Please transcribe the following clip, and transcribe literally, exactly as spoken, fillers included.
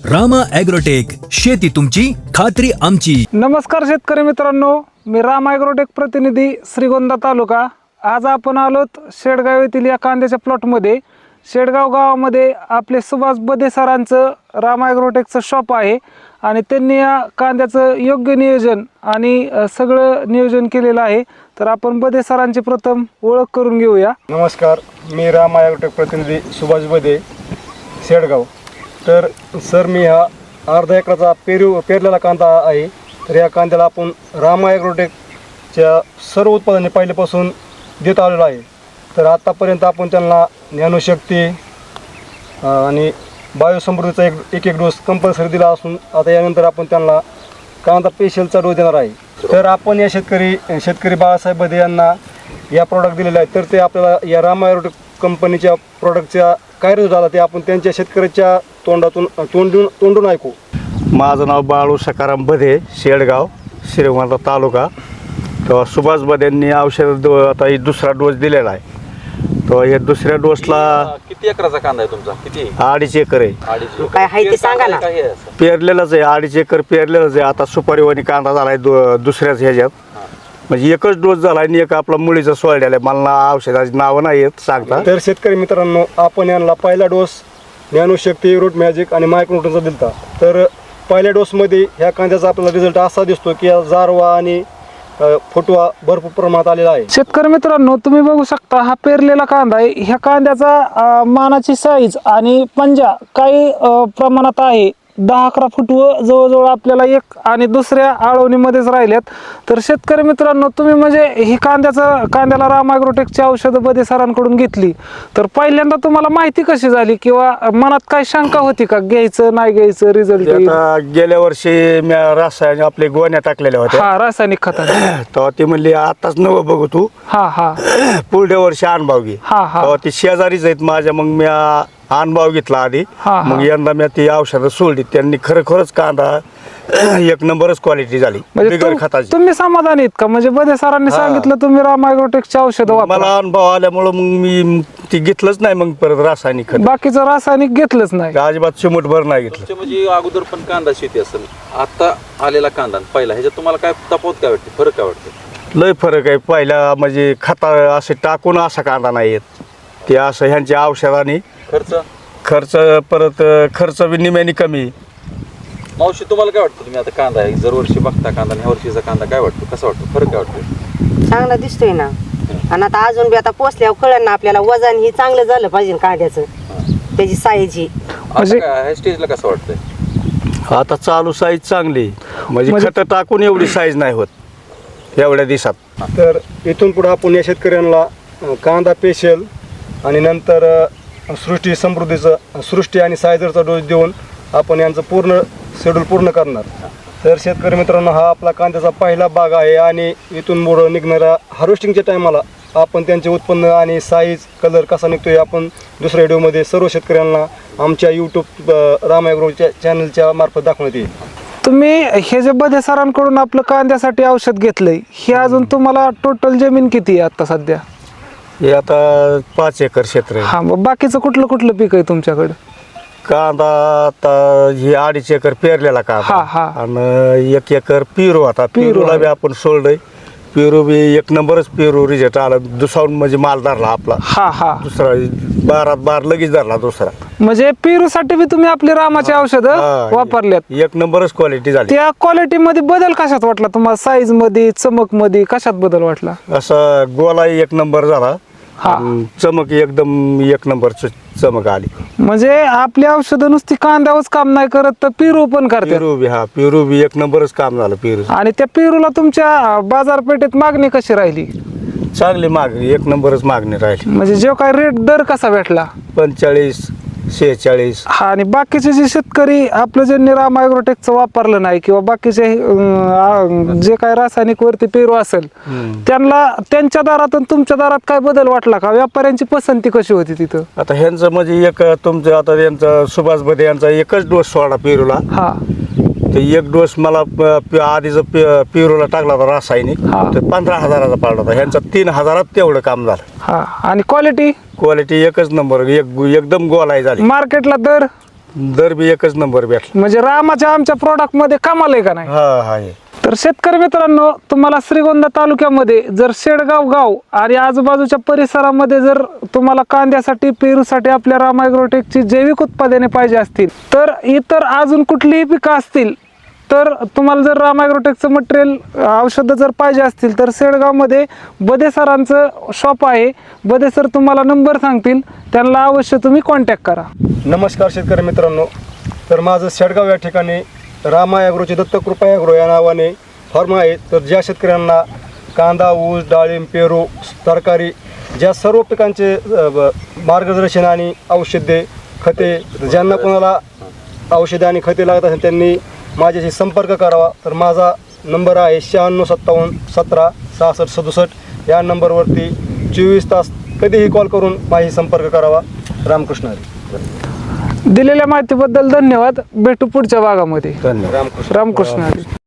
Rama agrotech, शेती तुमची खात्री आमची. नमस्कार शेतकरी मित्रांनो, मी रामा ॲग्रोटेक प्रतिनिधी श्रीगोंदा तालुका. आज आपण आलोत शेडगाव येथील या कांद्याच्या प्लॉटमध्ये. शेडगाव गावामध्ये आपले सुभाष बदे सरांचं रामा ॲग्रोटेकचं शॉप आहे आणि त्यांनी या कांद्याचं योग्य नियोजन आणि सगळं नियोजन केलेलं आहे. तर आपण बदे सरांची प्रथम ओळख करून घेऊया. नमस्कार, मी रामा ॲग्रोटेक प्रतिनिधी सुभाष बदे, शेडगाव. तर सर, मी हा अर्धा एकराचा पेरू पेरलेला कांदा आहे. तर या कांद्याला आपण रामा ॲग्रोटेकच्या सर्व उत्पादने पहिल्यापासून देत आलेलो आहे. तर आत्तापर्यंत आपण त्यांना ज्ञानशक्ती आणि बायोसमृद्धीचा एक एक एक डोस कंपल्सरी दिला असून आता यानंतर आपण त्यांना कांदा पेशलचा डोस देणार आहे. तर आपण या शेतकरी शेतकरी बाळासाहेब बदे यांना या प्रॉडक्ट दिलेले आहेत. तर ते आपल्याला या रामा ॲग्रोटेक कंपनीच्या प्रॉडक्टच्या काय रिझल्ट झाला ते आपण त्यांच्या शेतकऱ्याच्या तोंडातून तोंडून तोंडून ऐकू. माझं नाव बाळू सकाराम बदे, शेडगाव, श्रीगोंदा तालुका. तर सुभाष बदेंनी औषध दो आता ही दुसरा डोस दिलेला आहे. तो हे दुसऱ्या डोसला किती एकराचा कांदा आहे तुमचा? किती? अडीच एकर आहे. अडीच. काय आहे ते सांगा ना. काय आहे असं? पेरलेलंच आहे, अडीच एकर पेरलेलंच आहे. आता सुपारीवाणी कांदा झाला आहे दुसऱ्याच ह्याच्यात. म्हणजे एकच डोस झाला आणि एक आपला मुळीचा सोडलेला आहे. मला औषधाची नावं नाही येत सांगता. तर शेतकरी मित्रांनो, आपण यांना पहिला डोस ज्ञानशक्ती, रूट मॅजिक आणि मायक्रोन्यूट्रनचा दिलता. तर पहिल्या डोसमध्ये ह्या कांद्याचा आपल्याला रिझल्ट असा दिसतो की जारवा आणि फुटवा भरपूर प्रमाणात आलेला आहे. शेतकरी मित्रांनो, तुम्ही बघू शकता हा पेरलेला कांदा आहे. ह्या कांद्याचा अ, मानाची साईज आणि पंजा काही अ, प्रमाणात आहे. दहा अकरा फूट व जवळजवळ आपल्याला एक आणि दुसऱ्या आळवणीमध्येच राहिल्यात. तर शेतकरी मित्रांनो, तुम्ही म्हणजे ही कांद्याचं कांद्याला रामा ॲग्रोटेकची औषधं बदे सरांकडून घेतली. तर पहिल्यांदा तुम्हाला माहिती कशी झाली किंवा मनात काय शंका होती का, घ्यायचं नाही घ्यायचं, रिझल्ट? आता गेल्या वर्षी मी रासायनिक आपले गोण्या टाकलेल्या होत्या. हा, रासायनिक खत. तेव्हा ती म्हणली आताच नवं बघू तू, हा हा पुढल्या वर्षी अनुभव घे. हा हा तेव्हा ती शेजारीच आहेत माझ्या. मग मी अनुभव घेतला आधी. हा, हा. मग यंदा मी ती औषधं सोडली. त्यांनी खरोखरच कांदा एक नंबरच क्वालिटी झाली म्हणजे बिगर तुम- खताची. तुम्ही समाधानी आहेत का? म्हणजे बदे सरांनी हा. सांगितलं तुम्ही रामा ॲग्रोटेकची औषधं वापरा. मला अनुभव आल्यामुळं मग मी ती घेतलंच नाही. मग परत रासायनिक खत बाकीचं रासायनिक घेतलंच नाही. अजिबात चिमूटभर नाही घेतलं. तुमच्या म्हणजे अगोदर पण कांदा शेती असेल, आता आलेला कांदा आणि पहिला ह्याच्यात तुम्हाला काय तफावत काय वाटते, फरक काय वाटतं? लय फरक आहे. पहिला म्हणजे खता असे टाकून असा कांदा नाही येत. ते असं ह्यांच्या औषधाने खर्च खर्च परत खर्च बी निम्याने कमी. मावशी, तुम्हाला काय वाटतं? तुम्ही आता कांदा आहे दरवर्षी बघता कांदा आणि ह्या वर्षीचा कांदा काय वाटतो, कसा वाटतो, फरक काय वाटतो? चांगला दिसतोय ना. आणि आता अजून बी आता पोचल्यावर कळलं ना आपल्याला वजन ही चांगलं झालं पाहिजे कांद्याचं, त्याची साईज ही. आता काय ह्या स्टेजला कसं वाटतंय? आता चालू साईज चांगली, म्हणजे म्हणजे- खतं टाकून एवढी साईज नाही होत एवढ्या दिवसात. तर इथून पुढे आपण या शेतकऱ्यांना अ, कांदा पेशल आणि नंतर अ, सृष्टी समृद्धीचं सृष्टी आणि सायझरचा डोस देऊन आपण यांचं पूर्ण शेड्यूल पूर्ण करणार. तर शेतकरी मित्रांनो, हा आपला कांद्याचा पहिला भाग आहे आणि इथून पुढं निघणाऱ्या हार्वेस्टिंगच्या टायमाला आपण त्यांचे उत्पन्न आणि साईज, कलर कसा निघतोय आपण दुसऱ्या व्हिडिओमध्ये सर्व शेतकऱ्यांना आमच्या यूट्यूब रामा ॲग्रोच्या चॅनलच्या मार्फत दाखवण्यात येईल. तुम्ही हे जे बदे सरांकडून आपलं कांद्यासाठी औषध घेतलंय, हे अजून तुम्हाला टोटल जमीन किती आहे आता सध्या? हे आता पाच एकर क्षेत्र आहे. हा, मग बाकीचं कुठलं कुठलं पीक आहे तुमच्याकडे? कांदा आता हे अडीच एकर पेरलेला हा, कांदा हा. आणि एक एकर पेरू. आता पेरू पेरूला आहे. बी आपण सोडलंय. पेरू बी एक नंबरच पेरू रिझल्ट आला. दुसरा म्हणजे माल धरला आपला. हा हा दुसरा बारात बार लगेच धरला दुसरा. म्हणजे पेरूसाठी बी तुम्ही आपली रामाची औषधं हा, वापरल्यात. एक नंबरच क्वालिटी झाली. त्या क्वालिटी मध्ये बदल कशात वाटला तुम्हाला? साईज मध्ये, चमक मध्ये कशात बदल वाटला? असा गोला एक नंबर झाला. हा. आणि चमक एकदम एक नंबर चमक आली. म्हणजे आपली औषधं नुसती कांद्यावरच काम नाही करत, तर पेरू पण करतात. पेरू बी हा पेरू बी एक नंबरच काम झालं. पेरू आणि त्या पेरूला तुमच्या बाजारपेठेत मागणी कशी राहिली? चांगली मागणी, एक नंबरच मागणी राहिली. म्हणजे जो काय रेट दर कसा भेटला? पंचेचाळीस शेहेचाळीस. हा, आणि बाकीचे जे शेतकरी आपलं ज्यांनी रामा ॲग्रोटेकचं वापरलं नाही किंवा बाकीचे अं, जे काय रासायनिक वरती पेरू असेल, त्यांना त्यांच्या दारात आणि तुमच्या दारात काय बदल वाटला का? व्यापाऱ्यांची पसंती कशी होती तिथं? आता ह्यांचं म्हणजे एक तुमचं आता यांचा सुभाष बदे यांचा एकच डोस सोडा पेरूला. हा, ते एक डोस मला आधीच पेरूला टाकला होता रासायनिक. हा. ते पंधरा हजाराचा पडला होता. ह्यांचा तीन हजारात तेवढं काम झालं. हा. आणि क्वालिटी क्वालिटी एकच नंबर, एक एकदम गोलाई झाली. मार्केटला दर दर बी एकच नंबर भेटला. म्हणजे रामाच्या आमच्या प्रोडक्ट मध्ये कमाल आहे का नाही? हा हा आहे. तर शेतकरी मित्रांनो, तुम्हाला श्रीगोंदा तालुक्यामध्ये जर शेडगाव गाव आणि आजूबाजूच्या परिसरामध्ये जर तुम्हाला कांद्यासाठी पेरूसाठी आपल्या राम ॲग्रोटेकची जैविक उत्पादने पाहिजे असतील, तर इतर अजून कुठलीही पिकं असतील, तर तुम्हाला जर राम ॲग्रोटेकचं मटेरियल औषधं जर पाहिजे असतील तर शेडगावमध्ये बदे सरांचं शॉप आहे. बदे सर तुम्हाला नंबर सांगतील, त्यांना अवश्य तुम्ही कॉन्टॅक्ट करा. नमस्कार शेतकरी मित्रांनो. तर माझं शेडगाव या ठिकाणी रामा ॲग्रोचे दत्तकृपा ॲग्रो या नावाने फार्म आहे. तर ज्या शेतकऱ्यांना कांदा, ऊस, डाळिंब, पेरू, तरकारी ज्या सर्व पिकांचे अ, ब- मार्गदर्शन आणि औषधे, खते, ज्यांना कोणाला औषधे आणि खते लागत असेल त्यांनी माझ्याशी संपर्क करावा. तर माझा नंबर आहे शहाण्णव सत्तावन्न सतरा सहासष्ट सदुसष्ट. या नंबरवरती चोवीस तास कधीही कॉल करून माझ्याशी संपर्क करावा. रामकृष्ण हरी. दिलेल्या माहितीबद्दल धन्यवाद. भेटू पुढच्या भागामध्ये. धन्यवाद. रामकृष्ण रामकृष्ण हरी.